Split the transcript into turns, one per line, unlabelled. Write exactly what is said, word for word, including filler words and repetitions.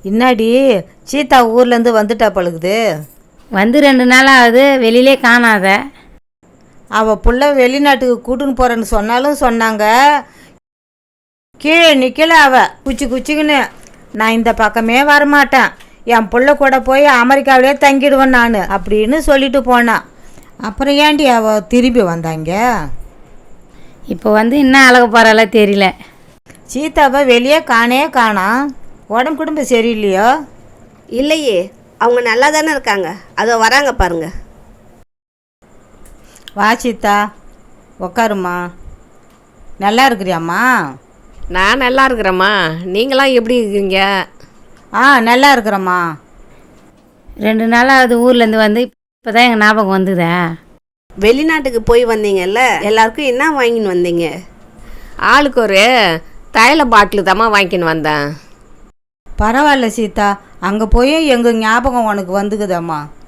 இன்னாடி சீதா ஊர்லேருந்து வந்துட்டா பழுகுது.
வந்து ரெண்டு நாள் ஆகுது, வெளியிலே காணாத.
அவள் புள்ள வெளிநாட்டுக்கு கூட்டுன்னு போகிறேன்னு சொன்னாலும் சொன்னாங்க. கீழே நிற்கல அவள் குச்சி குச்சிக்குன்னு. நான் இந்த பக்கமே வரமாட்டேன், என் புள்ள கூட போய் அமெரிக்காவிலே தங்கிடுவேன் நான் அப்படின்னு சொல்லிட்டு போனான். அப்புறம் ஏண்டி அவள் திரும்பி வந்தாங்க?
இப்போ வந்து இன்னும் அழகு போகிறால தெரியல.
சீதாவை வெளியே காணே காணாம். உடம்பு குடும்பம் சரியில்லையோ?
இல்லையே, அவங்க நல்லா தானே இருக்காங்க. அதோ வராங்க பாருங்க.
வா சீதா, உக்காருமா. நல்லா இருக்கிறியாம்மா?
நான் நல்லா இருக்கிறேம்மா. நீங்களாம் எப்படி இருக்கிறீங்க?
ஆ நல்லா இருக்கிறேம்மா.
ரெண்டு நாள் ஆகுது ஊர்லேருந்து வந்து, இப்போ தான் எங்கள் ஞாபகம் வந்துதா.
வெளிநாட்டுக்கு போய் வந்தீங்கல்ல, எல்லாருக்கும் என்ன வாங்கின்னு வந்தீங்க?
ஆளுக்கு ஒரு தைல பாட்டில் தாம்மா வாங்கின்னு வந்தேன்.
பரவாயில்ல சீதா, அங்கே போய் எங்கள் ஞாபகம் உனக்கு வந்துக்குதாம்மா.